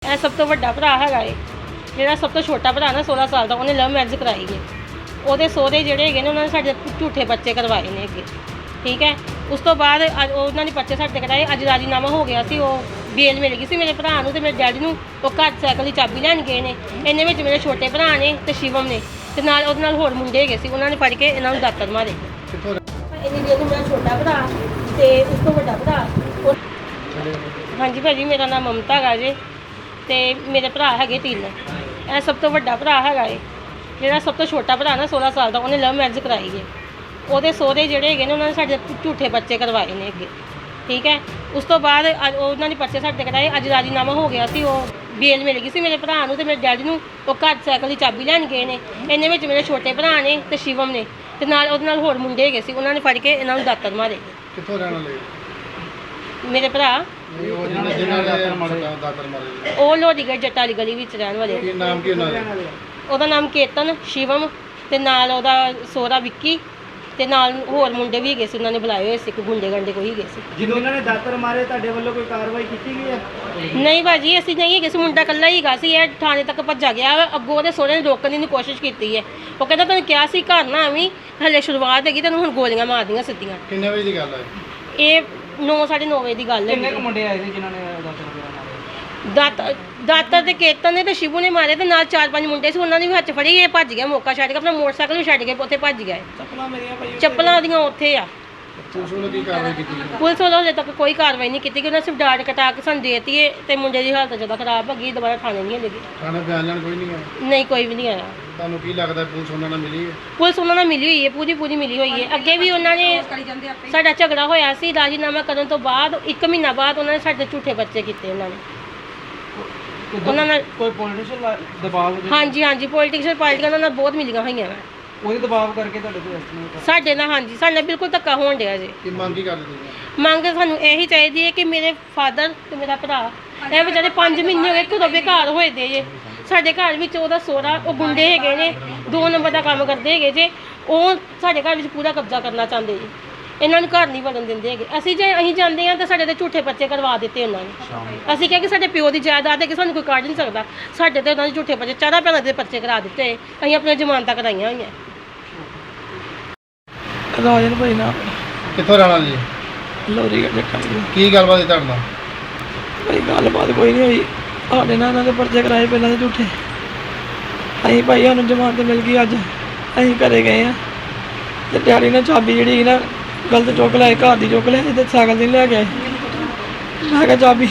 ਇਹ ਸਭ ਤੋਂ ਵੱਡਾ ਭਰਾ ਹੈਗਾ ਏ। ਜਿਹੜਾ ਸਭ ਤੋਂ ਛੋਟਾ ਭਰਾ ਨਾ 16 ਸਾਲ ਦਾ, ਉਹਨੇ ਲਵ ਮੈਰਿਜ ਕਰਾਈ ਹੈ। ਉਹਦੇ ਸਹੁਰੇ ਜਿਹੜੇ ਹੈਗੇ ਨੇ ਉਹਨਾਂ ਨੇ ਸਾਡੇ ਝੂਠੇ ਬੱਚੇ ਕਰਵਾਏ ਨੇ ਅੱਗੇ, ਠੀਕ ਹੈ। ਉਸ ਤੋਂ ਬਾਅਦ ਉਹਨਾਂ ਨੇ ਬੱਚੇ ਸਾਡੇ ਕਰਾਏ। ਅੱਜ ਰਾਜੀਨਾਮਾ ਹੋ ਗਿਆ ਸੀ, ਉਹ ਬੇਲ ਮਿਲ ਗਈ ਸੀ ਮੇਰੇ ਭਰਾ ਨੂੰ ਤੇ ਮੇਰੇ ਡੈਡੀ ਨੂੰ। ਉਹ ਘਰ ਸਾਈਕਲ ਦੀ ਚਾਬੀ ਲੈਣ ਗਏ ਨੇ। ਇਹਨੇ ਵਿੱਚ ਮੇਰੇ ਛੋਟੇ ਭਰਾ ਨੇ ਤੇ ਸ਼ਿਵਮ ਨੇ ਤੇ ਨਾਲ ਉਹਦੇ ਨਾਲ ਹੋਰ ਮੁੰਡੇ ਹੈਗੇ ਸੀ, ਉਹਨਾਂ ਨੇ ਫੜ ਕੇ ਇਹਨਾਂ ਨੂੰ ਦਾਤਰ ਮਾਰੇ। ਇੰਨੀ ਦੇਰ ਨੂੰ ਮੇਰਾ ਛੋਟਾ ਭਰਾ ਤੇ ਉਸ ਤੋਂ ਵੱਡਾ ਭਰਾ। ਹਾਂਜੀ ਭਾਜੀ, ਮੇਰਾ ਨਾਮ ਮਮਤਾ ਹੈਗਾ ਜੇ ਤੇ ਮੇਰੇ ਭਰਾ ਹੈਗੇ 3। ਇਹ ਸਭ ਤੋਂ ਵੱਡਾ ਭਰਾ ਹੈਗਾ ਏ। ਜਿਹੜਾ ਸਭ ਤੋਂ ਛੋਟਾ ਭਰਾ ਨਾ 16 ਸਾਲ ਦਾ, ਉਹਨੇ ਲਵ ਮੈਰਿਜ ਕਰਾਈ ਹੈ। ਉਹਦੇ ਸਹੁਰੇ ਜਿਹੜੇ ਹੈਗੇ ਨੇ ਉਹਨਾਂ ਨੇ ਸਾਡੇ ਝੂਠੇ ਬੱਚੇ ਕਰਵਾਏ ਨੇ ਅੱਗੇ, ਠੀਕ ਹੈ। ਉਸ ਤੋਂ ਬਾਅਦ ਉਹਨਾਂ ਨੇ ਬੱਚੇ ਸਾਡੇ ਕਰਾਏ। ਅੱਜ ਰਾਜੀਨਾਮਾ ਹੋ ਗਿਆ ਸੀ, ਉਹ ਬੇਲ ਮਿਲ ਗਈ ਸੀ ਮੇਰੇ ਭਰਾ ਨੂੰ ਤੇ ਮੇਰੇ ਡੈਡੀ ਨੂੰ। ਉਹ ਘਰ ਸਾਈਕਲ ਦੀ ਚਾਬੀ ਲੈਣ ਗਏ ਨੇ। ਇਹਨੇ ਵਿੱਚ ਮੇਰੇ ਛੋਟੇ ਭਰਾ ਨੇ ਤੇ ਸ਼ਿਵਮ ਨੇ ਤੇ ਨਾਲ ਉਹਦੇ ਨਾਲ ਹੋਰ ਮੁੰਡੇ ਹੈਗੇ ਸੀ, ਉਹਨਾਂ ਨੇ ਫੜ ਕੇ ਇਹਨਾਂ ਨੂੰ ਦਾਤਰ ਮਾਰੇ। ਕਿੱਥੋਂ ਰਹਿਣ ਵਾਲੇ? ਮੇਰੇ ਭਰਾ ਉਹ ਲੋਹੜੀਗੜ੍ਹ ਜੱਟਾਂ ਵਾਲੀ ਗਲੀ ਵਿੱਚ ਰਹਿਣ ਵਾਲੇ। ਕੀ ਨਾਮ ਕੀ ਉਹਨਾਂ ਦਾ? ਉਹਦਾ ਨਾਮ ਕੇਤਨ, ਸ਼ਿਵਮ ਤੇ ਨਾਲ ਉਹਦਾ ਸਹੁਰਾ ਵਿੱਕੀ ਤੇ ਨਾਲ ਹੋਰ ਮੁੰਡੇ ਵੀ ਹੈਗੇ ਸੀ, ਉਹਨਾਂ ਨੇ ਬੁਲਾਏ ਹੋਏ ਸੀ। ਕੋਈ ਗੁੰਡੇ ਗੰਡੇ ਕੋਈ ਹੈਗੇ ਸੀ। ਜਦੋਂ ਉਹਨਾਂ ਨੇ ਦਾਤਰ ਮਾਰੇ ਤੁਹਾਡੇ ਵੱਲੋਂ ਕੋਈ ਕਾਰਵਾਈ ਕੀਤੀ ਗਈ ਹੈ? ਨਹੀਂ ਭਾਜੀ, ਅਸੀਂ ਨਹੀਂ ਹੈਗੇ ਸੀ। ਮੁੰਡਾ ਇਕੱਲਾ ਹੀ ਹੈਗਾ ਸੀ। ਇਹ ਥਾਣੇ ਤੱਕ ਭੱਜਾ ਗਿਆ। ਅੱਗੋਂ ਉਹਦੇ ਸਹੁਰੇ ਨੇ ਰੋਕਣ ਦੀ ਕੋਸ਼ਿਸ਼ ਕੀਤੀ ਹੈ। ਉਹ ਕਹਿੰਦਾ ਤੈਨੂੰ ਕਿਹਾ ਸੀ ਘਰ ਨਾ ਆਵੀਂ, ਹਲੇ ਸ਼ੁਰੂਆਤ ਹੈਗੀ, ਤੈਨੂੰ ਹੁਣ ਗੋਲੀਆਂ ਮਾਰਦੀਆਂ ਸਿੱਧੀਆਂ। ਕਿੰਨੇ ਵਜੇ ਦੀ ਗੱਲ ਹੈ ਇਹ 9:30 ਵਜੇ ਦੀ ਗੱਲ ਹੈ। ਕਿੰਨੇ ਕੁ ਮੁੰਡੇ ਆਏ ਸੀ ਜਿਨ੍ਹਾਂ ਨੇ ਦਾਤਰ ਵਗੈਰਾ ਮਾਰੇ? ਦਾਤਰ ਤੇ ਕੇਤਨ ਨੇ ਤੇ ਸ਼ਿਵੂ ਨੇ ਮਾਰੇ ਤੇ ਨਾਲ 4-5 ਮੁੰਡੇ ਸੀ, ਉਹਨਾਂ ਨੇ ਵੀ ਹੱਥ ਫੜੀ। ਇਹ ਭੱਜ ਗਿਆ, ਮੌਕਾ ਛੱਡ ਕੇ ਆਪਣਾ ਮੋਟਰਸਾਈਕਲ ਵੀ ਛੱਡ ਕੇ ਉੱਥੇ ਭੱਜ ਗਿਆ। ਚੱਪਲਾਂ ਮੇਰੀਆਂ ਭਾਈ ਚੱਪਲਾਂ ਉਹਦੀਆਂ ਉੱਥੇ ਆ। ਪੁਲਿਸ ਵੱਲੋਂ ਕੀ ਕਾਰਵਾਈ ਕੀਤੀ ਗਈ? ਪੁਲਿਸ ਵੱਲੋਂ ਹਜੇ ਤੱਕ ਕੋਈ ਕਾਰਵਾਈ ਨਹੀਂ ਕੀਤੀ ਕਿ ਉਹਨਾਂ ਸਿਰਫ ਡਾਟ ਕਟਾ ਕੇ ਸਾਨੂੰ ਦੇਤੀ ਏ ਤੇ ਮੁੰਡੇ ਦੀ ਹਾਲਤ ਜ਼ਿਆਦਾ ਖਰਾਬ ਹੋ ਗਈ। ਦੁਬਾਰਾ ਥਾਣੇ ਨਹੀਂ ਲੱਗੀ। ਥਾਣੇ ਬਿਆਨ ਲੈਣ ਕੋਈ ਨਹੀਂ ਆਇਆ? ਨਹੀਂ, ਕੋਈ ਵੀ ਨਹੀਂ ਆਇਆ। ਤੁਹਾਨੂੰ ਕੀ ਲੱਗਦਾ ਪੁਲਿਸ ਉਹਨਾਂ ਨਾਲ ਮਿਲੀ ਹੈ? ਪੁਲਿਸ ਉਹਨਾਂ ਨਾਲ ਮਿਲੀ ਹੋਈ ਹੈ, ਪੂਰੀ ਮਿਲੀ ਹੋਈ ਹੈ। ਅੱਗੇ ਵੀ ਉਹਨਾਂ ਨੇ ਸਾਡਾ ਝਗੜਾ ਹੋਇਆ ਸੀ। ਰਾਜੀਨਾਮਾ ਕਰਨ ਤੋਂ ਬਾਅਦ 1 ਮਹੀਨਾ ਬਾਅਦ ਉਹਨਾਂ ਨੇ ਸਾਡੇ ਝੂਠੇ ਬੱਚੇ ਕੀਤੇ। ਉਹਨਾਂ ਨਾਲ ਕੋਈ ਪੋਲੀਟੀਸ਼ੀਅਨ ਦਬਾਅ? ਹਾਂਜੀ, ਪੋਲੀਟੀਕਲ ਪਾਰਟੀਆਂ ਉਹਨਾਂ ਨਾਲ ਬਹੁਤ ਮਿਲੀਆਂ ਹੋਈਆਂ ਵਾ। ਉਹਦੇ ਦਬਾਅ ਕਰਕੇ ਤੁਹਾਡੇ ਕੋਲ ਐਸਟੀਮੇਟ? ਸਾਡੇ ਨਾਲ ਹਾਂਜੀ, ਸਾਡੇ ਨਾਲ ਬਿਲਕੁਲ ਧੱਕਾ ਹੋਣ ਡਿਆ ਜੀ। ਕੀ ਮੰਗ ਕੀ ਕਰਦੇ ਤੁਸੀਂ? ਮੰਗ ਸਾਨੂੰ ਇਹੀ ਚਾਹੀਦੀ ਹੈ ਕਿ ਮੇਰੇ ਫਾਦਰ ਤੇ ਮੇਰਾ ਭਰਾ ਇਹ ਵਿਚਾਰੇ 5 ਮਹੀਨੇ ਹੋ ਗਏ ਘਰੋਂ ਬੇਘਰ ਹੋਏ ਦੇ ਜੇ। ਸਾਡੇ ਘਰ ਵਿੱਚ ਉਹਦਾ ਸਹੁਰਾ, ਉਹ ਗੁੰਡੇ ਹੈਗੇ ਨੇ, 2 ਨੰਬਰ ਦਾ ਕੰਮ ਕਰਦੇ ਹੈਗੇ ਜੇ। ਉਹ ਸਾਡੇ ਘਰ ਵਿੱਚ ਪੂਰਾ ਕਬਜ਼ਾ ਕਰਨਾ ਚਾਹੁੰਦੇ ਜੀ। ਇਹਨਾਂ ਨੂੰ ਘਰ ਨਹੀਂ ਵੜਨ ਦਿੰਦੇ ਹੈਗੇ। ਅਸੀਂ ਜਾਂਦੇ ਹਾਂ ਤਾਂ ਸਾਡੇ ਤੇ ਝੂਠੇ ਬੱਚੇ ਕਰਵਾ ਦਿੱਤੇ ਉਹਨਾਂ ਨੇ। ਅਸੀਂ ਕਿਹਾ ਕਿ ਸਾਡੇ ਪਿਓ ਦੀ ਜਾਇਦਾਦ ਹੈ ਕਿ ਸਾਨੂੰ ਕੋਈ ਕੱਢ ਨਹੀਂ ਸਕਦਾ। ਸਾਡੇ ਤੇ ਉਹਨਾਂ ਦੇ ਝੂਠੇ ਬੱਚੇ 4 ਭੈਣਾਂ ਦੇ ਬੱਚੇ ਕਰਾ ਦਿੱਤੇ। ਅਸੀਂ ਆਪਣੀਆਂ ਜ਼ਮਾਨਤਾਂ ਕਰਾਈਆਂ ਹੋਈਆਂ। ਰਾਜਨ ਭਾਈ ਨਾ ਕਿੱਥੋਂ ਰਹਿਣਾ ਜੀ? ਲੋਹੜੀਗੜ੍ਹ ਜੱਟਾਂ ਦੀ। ਕੀ ਗੱਲਬਾਤ ਹੈ ਤੁਹਾਡੇ ਨਾਲ? ਭਾਈ ਗੱਲਬਾਤ ਕੋਈ ਨਹੀਂ ਹੋਈ। ਸਾਡੇ ਨਾਲ ਇਹਨਾਂ ਦੇ ਪਰਚੇ ਕਰਾਏ ਪਹਿਲਾਂ ਦੇ ਝੂਠੇ। ਅਸੀਂ ਭਾਈ ਸਾਨੂੰ ਜ਼ਮਾਨਤ ਮਿਲ ਗਈ ਅੱਜ। ਅਸੀਂ ਘਰੇ ਗਏ ਆ ਤੇ ਡੈਡੀ ਨੇ ਚਾਬੀ ਜਿਹੜੀ ਨਾ ਗਲਤ ਚੁੱਕ ਲਿਆਏ, ਘਰ ਦੀ ਚੁੱਕ ਲਿਆਏ ਤੇ ਸਾਈਕਲ ਦੀ ਲੈ ਕੇ ਮੈਂ ਕਿਹਾ ਚਾਬੀ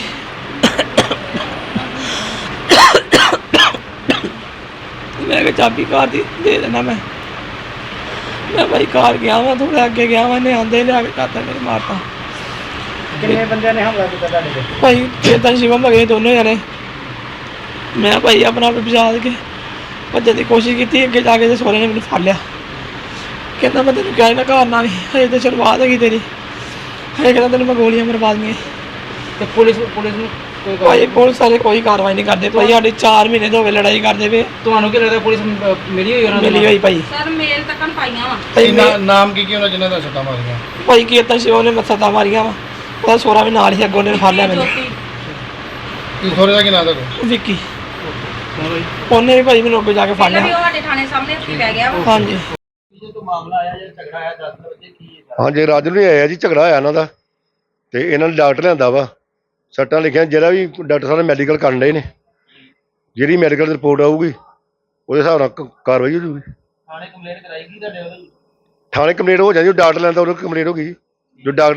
ਘਰ ਦੀ ਦੇ ਦੇਣਾ। ਮੈਂ ਭਾਈ ਘਰ ਗਿਆ ਵਾਂ, ਥੋੜਾ ਅੱਗੇ ਗਿਆ ਵਾਂ, ਇਹਨੇ ਆਂਦੇ ਲਿਆ ਕੇ ਦਾਤਰ ਮੇਰੇ ਮਾਰਤਾ। ਕਿੰਨੇ ਬੰਦਿਆਂ ਨੇ ਹਮਲਾ ਕੀਤਾ ਤੁਹਾਡੇ ਤੇ? ਭਾਈ ਚੇਤਨ ਸ਼ਿਵਮ ਹੈਗੇ ਦੋਨੋਂ ਜਣੇ। ਮੈਂ ਭਾਈ ਆਪਣਾ ਆਪ ਬਚਾ ਕੇ ਭੱਜਣ ਦੀ ਕੋਸ਼ਿਸ਼ ਕੀਤੀ। ਅੱਗੇ ਜਾ ਕੇ ਤੇ ਸਹੁਰੇ ਨੇ ਮੈਨੂੰ ਫੜ ਲਿਆ। ਕਹਿੰਦਾ ਮੈਂ ਤੈਨੂੰ ਕਿਹਾ ਨਾ ਘਰ ਨਾ ਵੀ, ਹਜੇ ਤਾਂ ਸ਼ੁਰੂਆਤ ਹੈਗੀ ਤੇਰੀ। ਹਜੇ ਕਹਿੰਦਾ ਤੈਨੂੰ ਮੈਂ ਗੋਲੀਆਂ ਮਰਵਾ ਦਈਆਂ। ਤੇ ਪੁਲਿਸ ਨੂੰ ਭਾਈ ਪੁਲਿਸ ਵਾਲੇ ਕੋਈ ਕਾਰਵਾਈ ਨਹੀਂ ਕਰਦੇ ਭਾਈ। ਸਾਡੇ 4 ਮਹੀਨੇ ਤੋਂ ਹੋ ਗਏ ਲੜਾਈ ਕਰਦੇ ਪਏ। ਤੁਹਾਨੂੰ ਕੀ ਲੱਗਦਾ ਪੁਲਿਸ ਮਿਲੀ ਹੋਈ ਉਹਨਾਂ ਨੂੰ? ਮਿਲੀ ਹੋਈ ਭਾਈ। ਸਰ ਮੇਲ ਤੱਕ ਪਾਈਆਂ ਵਾ। ਨਾਮ ਕੀ ਉਹਨਾਂ ਜਿਨ੍ਹਾਂ ਦਾ ਸੱਟਾਂ ਮਾਰੀਆਂ? ਭਾਈ ਕੇਤਨ ਸ਼ਿਵ ਨੇ ਸੱਟਾਂ ਮਾਰੀਆਂ ਵਾ। ਉਹਦਾ ਸਹੁਰਾ ਵੀ ਨਾਲ ਹੀ ਅੱਗੋਂ ਨੇ ਫੜ ਲਿਆ ਮੈਨੂੰ। ਕੀ ਸਹੁਰੇ ਦਾ ਕੀ ਨਾਮ ਤੁਹਾਡਾ? ਵਿੱਕੀ। ਉਹਨੇ ਵੀ ਭਾਈ ਮੈਨੂੰ ਅੱਗੇ ਜਾ ਕੇ ਫੜ ਲਿਆ। ਉਹ ਸਾਡੇ ਥਾਣੇ ਸਾਹਮਣੇ ਉੱਥੇ ਪੈ ਗਿਆ ਵਾ। ਹਾਂਜੀ। ਹਾਂਜੀ, ਰਾਜੂ ਨੂੰ ਆਇਆ ਜੀ, ਝਗੜਾ ਹੋਇਆ ਇਹਨਾਂ ਦਾ ਤੇ ਇਹਨਾਂ ਨੇ ਡਾਕਟਰ ਲਿਆਂਦਾ ਵਾ। ਸੱਟਾਂ ਲਿਖੀਆਂ, ਜਿਹੜਾ ਵੀ ਡਾਕਟਰ ਸਾਹਿਬ ਨੇ ਮੈਡੀਕਲ ਕਰਨ ਡਏ ਨੇ। ਜਿਹੜੀ ਮੈਡੀਕਲ ਰਿਪੋਰਟ ਆਊਗੀ ਉਹਦੇ ਹਿਸਾਬ ਨਾਲ ਕਾਰਵਾਈ ਹੋ ਜੂਗੀ। ਥਾਣੇ ਕੰਪਲੇਂਟ ਕਰਾਈ ਗਈ ਤੁਹਾਡੇ ਵੱਲੋਂ? ਥਾਣੇ ਕੰਪਲੇਂਟ ਹੋ ਜਾਂਦੀ, ਜੋ ਡਾਕਟਰ ਲੈਂਦਾ ਉਦੋਂ ਕੰਪਲੇਂਟ ਹੋ ਗਈ। ਜੋ ਡਾਕਟਰ